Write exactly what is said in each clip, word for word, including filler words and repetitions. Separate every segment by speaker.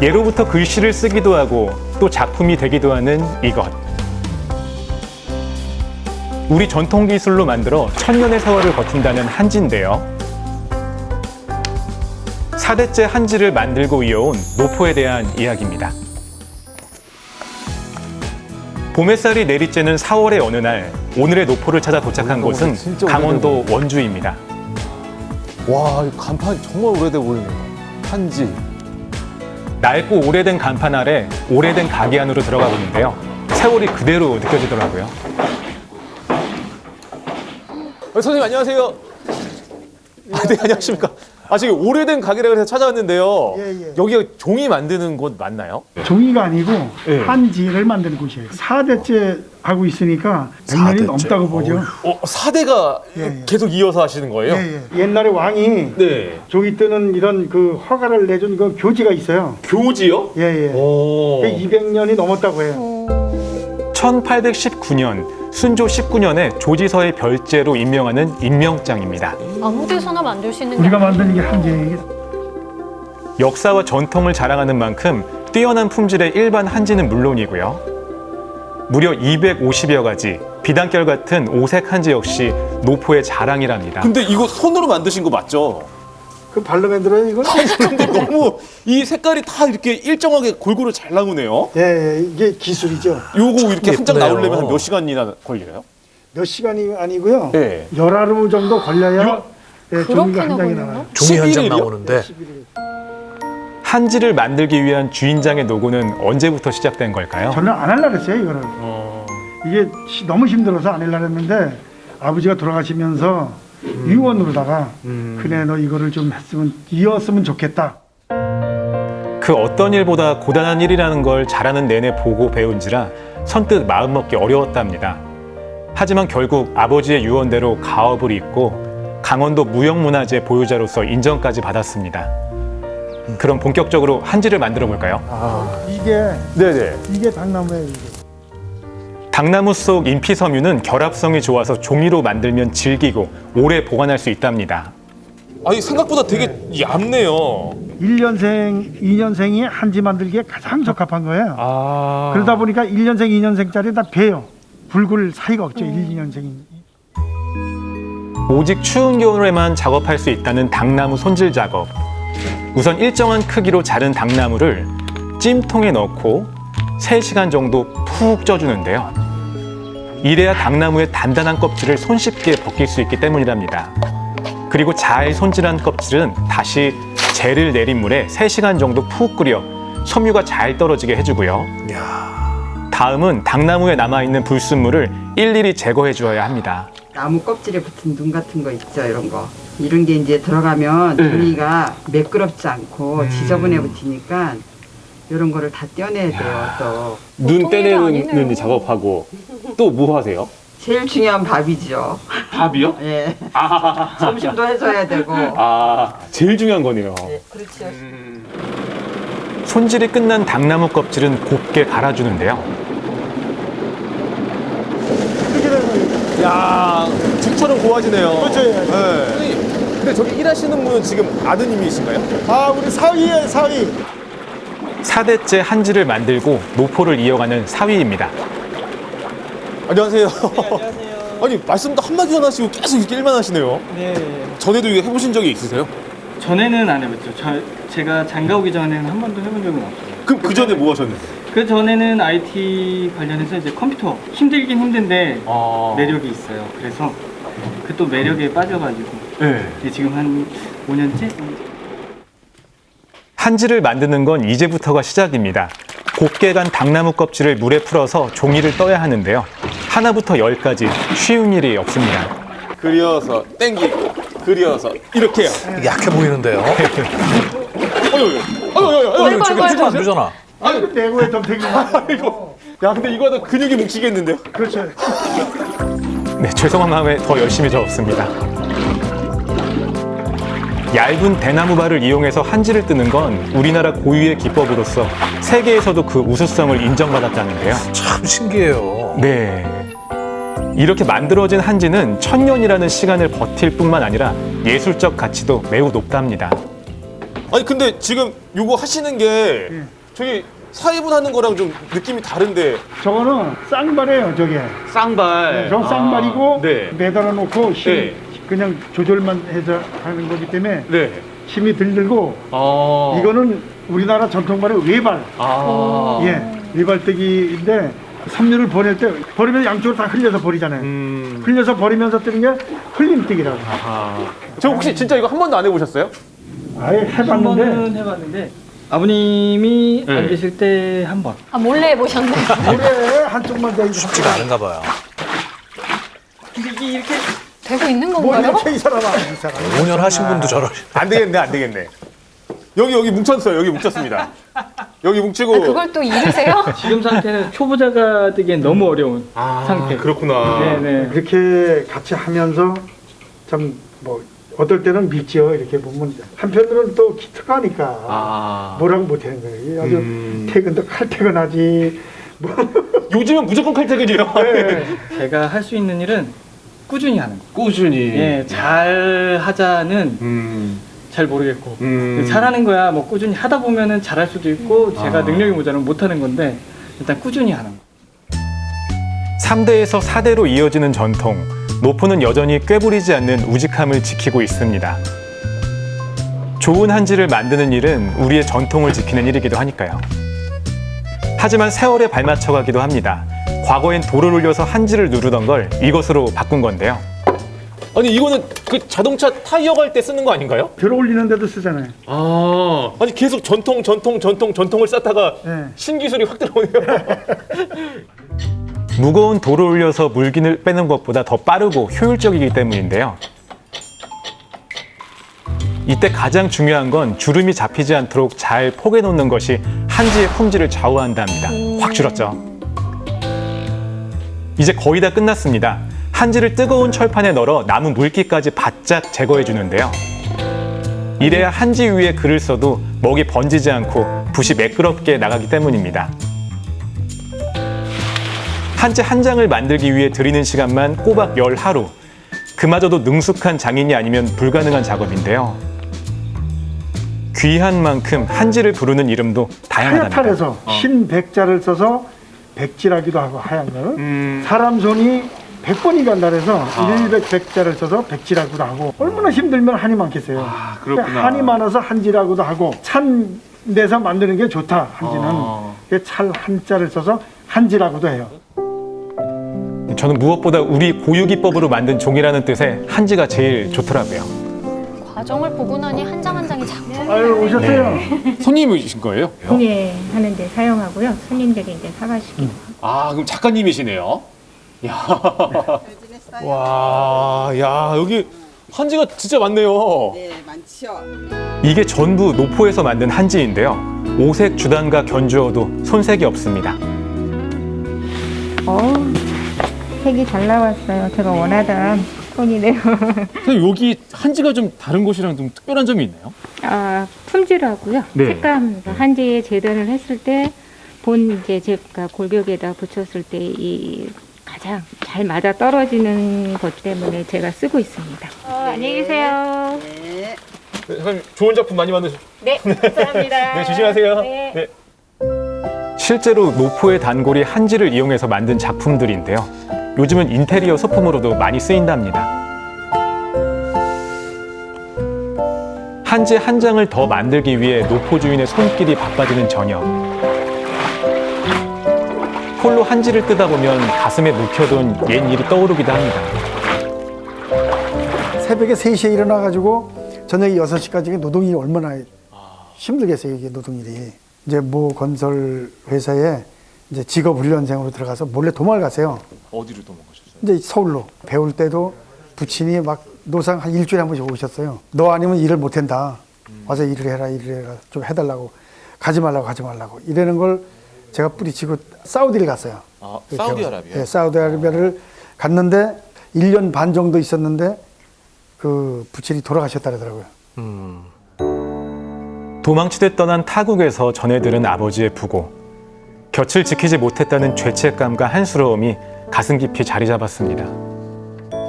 Speaker 1: 예로부터 글씨를 쓰기도 하고 또 작품이 되기도 하는 이것. 우리 전통 기술로 만들어 천년의 세월을 버틴다는 한지인데요. 사 대째 한지를 만들고 이어온 노포에 대한 이야기입니다. 봄햇살이 내리쬐는 사월의 어느 날, 오늘의 노포를 찾아 도착한 곳은 강원도 원주입니다.
Speaker 2: 와, 이 간판 정말 오래돼 보이네요. 한지.
Speaker 1: 낡고 오래된 간판 아래 오래된 가게 안으로 들어가 보는데요. 세월이 그대로 느껴지더라고요.
Speaker 2: 어, 선생님 안녕하세요. 아, 네, 안녕하십니까. 아, 지금 오래된 가게라 그래서 찾아왔는데요.
Speaker 3: 예, 예.
Speaker 2: 여기가 종이 만드는 곳 맞나요?
Speaker 3: 종이가 아니고
Speaker 2: 예.
Speaker 3: 한지를 만드는 곳이에요. 사 대째 하고 있으니까 백 년이 넘다고 보죠.
Speaker 2: 어, 사 대가
Speaker 3: 예, 예.
Speaker 2: 계속 이어서 하시는 거예요?
Speaker 3: 예, 예. 옛날에 왕이
Speaker 2: 네.
Speaker 3: 종이 뜨는 이런 그 허가를 내준 그 교지가 있어요.
Speaker 2: 교지요?
Speaker 3: 예, 예.
Speaker 2: 오.
Speaker 3: 그게 이백 년이 넘었다고 해요.
Speaker 1: 천팔백십구 년, 순조 십구 년에 조지서의 별제로 임명하는 임명장입니다.
Speaker 4: 아무 데서나 만들 수 있는 게
Speaker 3: 우리가
Speaker 4: 아니에요.
Speaker 3: 만드는 게 한지예요.
Speaker 1: 역사와 전통을 자랑하는 만큼 뛰어난 품질의 일반 한지는 물론이고요. 무려 이백오십여 가지, 비단결 같은 오색 한지 역시 노포의 자랑이랍니다.
Speaker 2: 근데 이거 손으로 만드신 거 맞죠?
Speaker 3: 그 발로 만들어요, 이걸?
Speaker 2: 근데 너무 이 색깔이 다 이렇게 일정하게 골고루 잘 나오네요.
Speaker 3: 예, 예. 이게 기술이죠.
Speaker 2: 요거 이렇게 한 장
Speaker 5: 예쁘네요.
Speaker 2: 나오려면 한 몇 시간이나 걸려요?
Speaker 3: 몇 시간이 아니고요.
Speaker 2: 네.
Speaker 3: 열하루 정도 걸려야 예, 종이가 한
Speaker 4: 그렇게나
Speaker 3: 장이
Speaker 4: 걸려요?
Speaker 3: 나와요.
Speaker 5: 종이 한 장
Speaker 2: 십일 일이요?
Speaker 5: 나오는데
Speaker 1: 한지를 만들기 위한 주인장의 노고는 언제부터 시작된 걸까요?
Speaker 3: 저는 안 하려고 그랬어요, 이거를.
Speaker 2: 어.
Speaker 3: 이게 시- 너무 힘들어서 안 하려고 했는데 아버지가 돌아가시면서 유언으로다가 그래 너 이거를 좀 했으면 이었으면 좋겠다.
Speaker 1: 그 어떤 일보다 고단한 일이라는 걸 자라는 내내 보고 배운지라 선뜻 마음먹기 어려웠답니다. 하지만 결국 아버지의 유언대로 가업을 잇고 강원도 무형문화재 보유자로서 인정까지 받았습니다. 그럼 본격적으로 한지를 만들어 볼까요?
Speaker 3: 이게
Speaker 2: 네네.
Speaker 3: 이게 당나무예요. 이게.
Speaker 1: 당나무 속 인피섬유는 결합성이 좋아서 종이로 만들면 질기고 오래 보관할 수 있답니다.
Speaker 2: 아니 생각보다 되게 얇네요.
Speaker 3: 일 년생, 이 년생이 한지 만들기에 가장 적합한 거예요.
Speaker 2: 아.
Speaker 3: 그러다 보니까 일 년생, 이 년생짜리 다 배요. 붉을 사이가 없죠. 일, 이 년생이.
Speaker 1: 오직 추운 겨울에만 작업할 수 있다는 당나무 손질 작업. 우선 일정한 크기로 자른 당나무를 찜통에 넣고 세 시간 정도 푹 쪄주는데요. 이래야 당나무의 단단한 껍질을 손쉽게 벗길 수 있기 때문이랍니다. 그리고 잘 손질한 껍질은 다시 재를 내린 물에 세 시간 정도 푹 끓여 섬유가 잘 떨어지게 해주고요. 다음은 당나무에 남아있는 불순물을 일일이 제거해 주어야 합니다.
Speaker 6: 나무 껍질에 붙은 눈 같은 거 있죠, 이런 거. 이런 게 이제 들어가면 종이가 매끄럽지 않고 지저분해 붙으니까 이런 거를 다 떼어내야 돼요, 또.
Speaker 2: 눈
Speaker 4: 보통 일이
Speaker 2: 떼내는
Speaker 4: 아니네요.
Speaker 2: 작업하고 또 뭐 하세요?
Speaker 6: 제일 중요한 밥이죠.
Speaker 2: 밥이요?
Speaker 6: 예.
Speaker 2: 아,
Speaker 6: 점심도 해줘야 되고.
Speaker 2: 아 제일 중요한 거네요.
Speaker 6: 예, 그렇죠.
Speaker 1: 손질이 끝난 당나무 껍질은 곱게 갈아주는데요.
Speaker 3: 이렇게 되면
Speaker 2: 야 죽처럼 고와지네요.
Speaker 3: 그렇죠, 예.
Speaker 2: 네. 선생님, 근데 저기 일하시는 분은 지금 아드님이신가요?
Speaker 3: 아, 우리 사위예요, 사위.
Speaker 1: 사 대째 한지를 만들고 노포를 이어가는 사위입니다.
Speaker 2: 안녕하세요. 아니 말씀도 한마디 안 하시고 계속 이렇게 일만 하시네요.
Speaker 7: 네,
Speaker 2: 전에도 이거 해보신 적이 있으세요?
Speaker 7: 전에는 안 해봤죠. 저, 제가 장가 오기 전에는 한 번도 해본 적은 없어요.
Speaker 2: 그럼 그 전에 뭐 하셨는데?
Speaker 7: 그 전에는 아이티 관련해서 이제 컴퓨터 힘들긴 힘든데
Speaker 2: 아.
Speaker 7: 매력이 있어요. 그래서 그 또 매력에 빠져가지고
Speaker 2: 네.
Speaker 7: 이제 지금 한 오 년째?
Speaker 1: 한지를 만드는 건 이제부터가 시작입니다. 곱게 간 당나무 껍질을 물에 풀어서 종이를 떠야 하는데요. 하나부터 열까지 쉬운 일이 없습니다.
Speaker 2: 그려서 땡기고 그려서 이렇게요.
Speaker 5: 약해 보이는데요.
Speaker 2: 어유 어유 어유 어유
Speaker 4: 아이고, 아이고,
Speaker 5: 지금 안 되잖아.
Speaker 3: 아이고, 내고에 덤태기.
Speaker 2: 이거 야 근데 이거 하다 근육이 뭉치겠는데요?
Speaker 3: 그렇죠.
Speaker 1: 네, 죄송한 마음에 더 열심히 저었습니다. 얇은 대나무발을 이용해서 한지를 뜨는 건 우리나라 고유의 기법으로서 세계에서도 그 우수성을 인정받았다는데요.
Speaker 5: 참 신기해요.
Speaker 1: 네. 이렇게 만들어진 한지는 천년이라는 시간을 버틸 뿐만 아니라 예술적 가치도 매우 높답니다.
Speaker 2: 아니 근데 지금 요거 하시는 게
Speaker 3: 예.
Speaker 2: 저기 사회분 하는 거랑 좀 느낌이 다른데.
Speaker 3: 저거는 쌍발이에요, 저게.
Speaker 2: 쌍발.
Speaker 3: 저 쌍발이고
Speaker 2: 아, 네.
Speaker 3: 매달아 놓고 힘
Speaker 2: 네.
Speaker 3: 그냥 조절만 해서 하는 거기 때문에
Speaker 2: 네.
Speaker 3: 힘이 덜 들고
Speaker 2: 아.
Speaker 3: 이거는 우리나라 전통발의 외발.
Speaker 2: 아.
Speaker 3: 예, 외발뜨기인데 섬유를 보낼 때 버리면 양쪽으로 다 흘려서 버리잖아요.
Speaker 2: 음.
Speaker 3: 흘려서 버리면서 뜨는 게 흘림뜨기라고.
Speaker 2: 아. 저 혹시 진짜 이거 한 번도 안 해보셨어요?
Speaker 3: 아예
Speaker 7: 한
Speaker 3: 해봤는데
Speaker 7: 번은 해봤는데 아버님이
Speaker 2: 네.
Speaker 7: 안 계실 때 한 번.
Speaker 4: 아, 몰래 해보셨네.
Speaker 3: 물에 한쪽만 대
Speaker 5: 쉽지가 않은가 봐요.
Speaker 7: 이게 이렇게
Speaker 4: 되고 있는
Speaker 3: 뭐
Speaker 4: 건가요?
Speaker 3: 이렇게 이 사람아 이 사람.
Speaker 5: 오 년 하신 분도 저러.
Speaker 2: 안 되겠네, 안 되겠네. 여기 여기 뭉쳤어요. 여기 뭉쳤습니다. 여기 뭉치고.
Speaker 4: 아, 그걸 또 잃으세요?
Speaker 7: 지금 상태는 초보자가 되기엔 너무 어려운 상태.
Speaker 2: 아, 그렇구나.
Speaker 7: 네네.
Speaker 3: 이렇게 같이 하면서 참 뭐 어떨 때는 믿지요. 이렇게 보면 한편으로는 또 기특하니까
Speaker 2: 아.
Speaker 3: 뭐라고 못하는 거예요. 아주
Speaker 2: 음.
Speaker 3: 퇴근도 칼퇴근하지. 뭐.
Speaker 2: 요즘은 무조건 칼퇴근이에요.
Speaker 3: 네.
Speaker 7: 제가 할 수 있는 일은 꾸준히 하는 거.
Speaker 2: 꾸준히.
Speaker 7: 예, 잘 하자는
Speaker 2: 음.
Speaker 7: 잘 모르겠고
Speaker 2: 음.
Speaker 7: 잘하는 거야. 뭐 꾸준히 하다 보면은 잘할 수도 있고 제가
Speaker 2: 아.
Speaker 7: 능력이 모자라면 못하는 건데 일단 꾸준히 하는 거.
Speaker 1: 삼 대에서 사 대로 이어지는 전통, 노포는 여전히 꾀부리지 않는 우직함을 지키고 있습니다. 좋은 한지를 만드는 일은 우리의 전통을 지키는 일이기도 하니까요. 하지만 세월에 발맞춰가기도 합니다. 과거엔 돌을 올려서 한지를 누르던 걸 이것으로 바꾼 건데요.
Speaker 2: 아니 이거는 그 자동차 타이어 갈 때 쓰는 거 아닌가요?
Speaker 3: 들어 올리는 데도 쓰잖아요.
Speaker 2: 아. 아니 계속 전통 전통 전통 전통을 쌓다가
Speaker 3: 네.
Speaker 2: 신기술이 확 들어오네요.
Speaker 1: 무거운 돌을 올려서 물기를 빼는 것보다 더 빠르고 효율적이기 때문인데요. 이때 가장 중요한 건 주름이 잡히지 않도록 잘 포개 놓는 것이 한지의 품질을 좌우한답니다. 확 줄었죠. 이제 거의 다 끝났습니다. 한지를 뜨거운 철판에 널어 남은 물기까지 바짝 제거해 주는데요. 이래야 한지 위에 글을 써도 먹이 번지지 않고 붓이 매끄럽게 나가기 때문입니다. 한지 한 장을 만들기 위해 들이는 시간만 꼬박 열 하루. 그마저도 능숙한 장인이 아니면 불가능한 작업인데요. 귀한 만큼 한지를 부르는 이름도 다양하답니다.
Speaker 3: 하얗탈에서 흰 백자를 써서 백지라기도 하고 하얀 거는
Speaker 2: 음.
Speaker 3: 사람 손이 백 번이 간다 해서 일백 백자를 써서 백지라고도 하고 얼마나 힘들면 한이 많겠어요.
Speaker 2: 아, 그렇구나.
Speaker 3: 한이 많아서 한지라고도 하고 찬 데서 만드는 게 좋다. 한지는
Speaker 2: 아.
Speaker 3: 찰 한자를 써서 한지라고도 해요.
Speaker 1: 저는 무엇보다 우리 고유기법으로 만든 종이라는 뜻의 한지가 제일 좋더라고요.
Speaker 4: 과정을 보고 나니 한 장 한 장이 작품.
Speaker 3: 아유 오셨어요.
Speaker 2: 손님이신 거예요?
Speaker 8: 공예하는데 사용하고요. 손님들이 이제 사가시기.
Speaker 2: 아 그럼 작가님이시네요. 야. 와, 야 여기 한지가 진짜 많네요.
Speaker 6: 네, 많죠.
Speaker 1: 이게 전부 노포에서 만든 한지인데요. 오색 주단과 견주어도 손색이 없습니다.
Speaker 8: 어, 색이 잘 나왔어요. 제가 원하던 톤이네요.
Speaker 2: 선생님 여기 한지가 좀 다른 곳이랑 좀 특별한 점이 있나요?
Speaker 8: 아, 품질하고요.
Speaker 2: 네.
Speaker 8: 색감 한지에 재단을 했을 때 본 이제 제가 골격에다 붙였을 때 이 가장 잘 맞아 떨어지는 것 때문에 제가 쓰고 있습니다. 어, 안녕히 계세요.
Speaker 6: 네.
Speaker 2: 네, 선생님 좋은 작품 많이 만드셨.
Speaker 8: 네, 감사합니다.
Speaker 2: 네, 조심하세요.
Speaker 8: 네.
Speaker 2: 네.
Speaker 1: 실제로 노포의 단골이 한지를 이용해서 만든 작품들인데요. 요즘은 인테리어 소품으로도 많이 쓰인답니다. 한지 한 장을 더 만들기 위해 노포 주인의 손길이 바빠지는 저녁. 홀로 한지를 뜨다 보면 가슴에 묵혀둔 옛 일이 떠오르기도 합니다.
Speaker 3: 새벽에 세 시에 일어나가지고 저녁 여섯 시까지 노동일이 얼마나 힘들겠어요, 이게 노동일이. 이제 모 건설 회사에 이제 직업 훈련생으로 들어가서 몰래 도망을 갔어요.
Speaker 2: 어디로 도망가셨어요?
Speaker 3: 이제 서울로. 배울 때도 부친이 막 노상 한 일주일에 한 번씩 오셨어요. 너 아니면 일을 못 한다. 와서 일을 해라, 일을 해라. 좀 해달라고. 가지 말라고, 가지 말라고. 이러는 걸 제가 뿌리치고 사우디를 갔어요.
Speaker 2: 아, 사우디아라비아.
Speaker 3: 네, 사우디아라비아를 갔는데 일 년 반 정도 있었는데 그 부친이 돌아가셨다더라고요.
Speaker 1: 도망치듯 떠난 타국에서 전해 들은 아버지의 부고. 곁을 지키지 못했다는 죄책감과 한스러움이 가슴 깊이 자리 잡았습니다.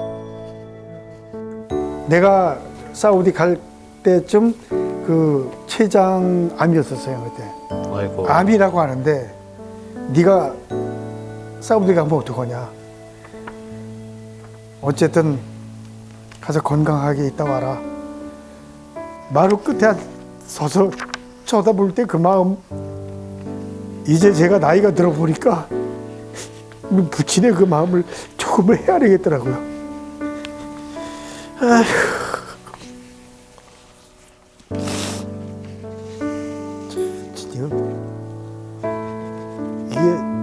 Speaker 3: 내가 사우디 갈 때쯤 그 췌장암이었었어요 그때.
Speaker 5: 아이고.
Speaker 3: 암이라고 하는데 네가 사우디 가면 어떡하냐. 어쨌든 가서 건강하게 있다 와라. 마루 끝에 서서 쳐다볼 때 그 마음, 이제 제가 나이가 들어보니까 부친의 그 마음을 조금은 헤아리겠더라고요. 아휴. 지금 이게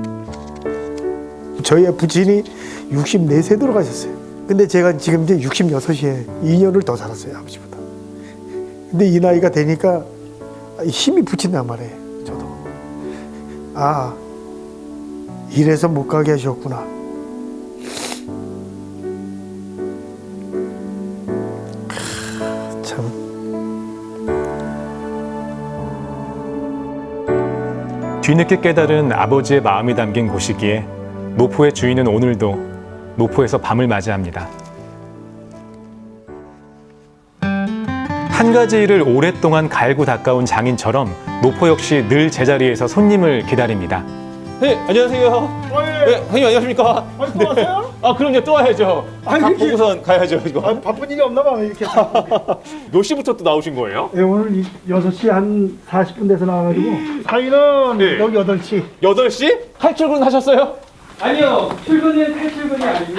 Speaker 3: 저희 부친이 육십사 세 돌아가셨어요. 근데 제가 지금 이제 육십육에 이 년을 더 살았어요, 아버지보다. 근데 이 나이가 되니까 힘이 붙인단 말이에요, 저도. 아, 이래서 못 가게 하셨구나. 참.
Speaker 1: 뒤늦게 깨달은 아버지의 마음이 담긴 곳이기에 노포의 주인은 오늘도 노포에서 밤을 맞이합니다. 한 가지 일을 오랫동안 갈고 닦아온 장인처럼 노포 역시 늘 제자리에서 손님을 기다립니다.
Speaker 2: 네, 안녕하세요. 네, 형님 안녕하십니까?
Speaker 3: 아니, 또 왔어요?
Speaker 2: 아, 그럼요. 또 와야죠.
Speaker 3: 아니,
Speaker 2: 밥
Speaker 3: 이렇게-
Speaker 2: 보고선 가야죠, 이거.
Speaker 3: 아, 바쁜 일이 없나 봐, 이렇게.
Speaker 2: 몇 시부터 또 나오신 거예요?
Speaker 3: 네, 오늘 여섯 시 한 사십 분 돼서 나와가지고 사인은
Speaker 2: 네.
Speaker 3: 여기 여덟 시.
Speaker 2: 여덟 시? 칼출근 하셨어요?
Speaker 7: 아니요, 출근은 탈출근이 아니고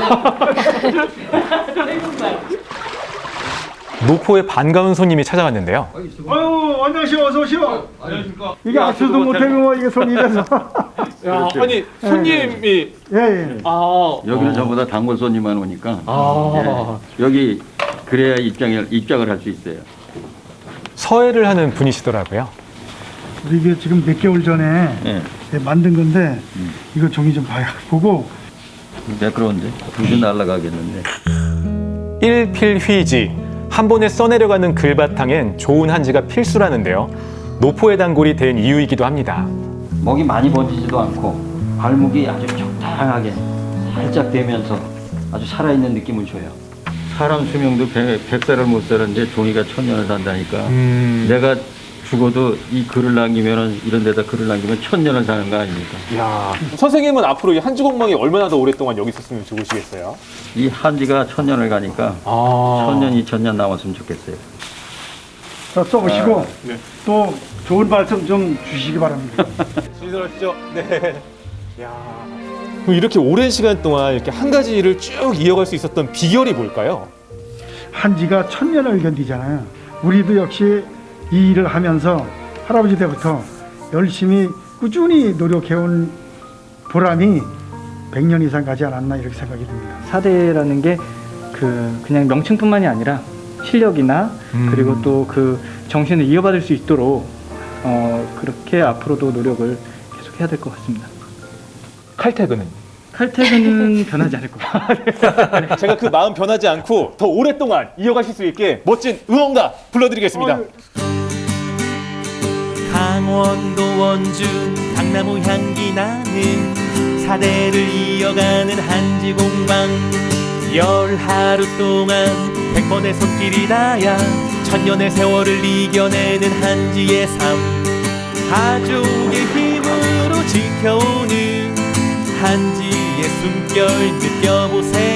Speaker 1: 노포에 반가운 손님이 찾아왔는데요.
Speaker 3: 아유, 안녕하세요. 어서 오시오. 안녕하십니까. 이게 악수도 못하고 뭐 이게 손님이라서.
Speaker 2: 야, 아니, 손님이.
Speaker 3: 예, 예.
Speaker 2: 아,
Speaker 9: 여기는 전부 다 단골 손님만 오니까
Speaker 2: 아.
Speaker 9: 예, 여기 그래야 입장을 입장을 할 수 있어요.
Speaker 1: 서해를 하는 분이시더라고요.
Speaker 3: 우리 이게 지금 몇 개월 전에
Speaker 9: 예,
Speaker 3: 예, 만든 건데 이거 종이 좀 봐요. 보고
Speaker 9: 매끄러운데 두개 날아가겠는데.
Speaker 1: 일필휘지, 한 번에 써내려가는 글바탕엔 좋은 한지가 필수라는데요. 노포의 단골이 된 이유이기도 합니다.
Speaker 9: 목이 많이 번지지도 않고 발목이 아주 적당하게 살짝 되면서 아주 살아있는 느낌을 줘요. 사람 수명도 백 살을 못 사는데 종이가 천년을 산다니까.
Speaker 2: 음.
Speaker 9: 내가 죽어도 이 글을 남기면은 이런 데다 글을 남기면 천년을 사는 거 아닙니까?
Speaker 2: 야, 선생님은 앞으로 이 한주공망이 얼마나 더 오랫동안 여기 있었으면 좋으시겠어요?
Speaker 9: 이 한지가 천년을 가니까
Speaker 2: 아.
Speaker 9: 천년, 이천 년 남았으면 좋겠어요.
Speaker 3: 자, 써보시고
Speaker 2: 아, 네.
Speaker 3: 또 좋은 말씀 좀 주시기 바랍니다.
Speaker 2: 신선하시죠? 네. 야. 그럼 이렇게 오랜 시간 동안 이렇게 한 가지 일을 쭉 이어갈 수 있었던 비결이 뭘까요?
Speaker 3: 한지가 천년을 견디잖아요. 우리도 역시 이 일을 하면서 할아버지 때부터 열심히 꾸준히 노력해온 보람이 백 년 이상 가지 않았나 이렇게 생각이 듭니다.
Speaker 7: 사대라는 게 그 그냥 명칭뿐만이 아니라 실력이나
Speaker 1: 음.
Speaker 7: 그리고 또 그 정신을 이어받을 수 있도록 어 그렇게 앞으로도 노력을 계속 해야 될 것 같습니다.
Speaker 2: 칼퇴근은?
Speaker 7: 칼퇴근은 변하지 않을 것 같아요.
Speaker 2: 제가 그 마음 변하지 않고 더 오랫동안 이어가실 수 있게 멋진 응원가 불러드리겠습니다.
Speaker 10: 강원도 원주 당나무 향기 나는 사대를 이어가는 한지공방 열 하루 동안 백 번의 손길이 닿아 천년의 세월을 이겨내는 한지의 삶 가족의 힘으로 지켜오는 한지의 숨결 느껴보세요.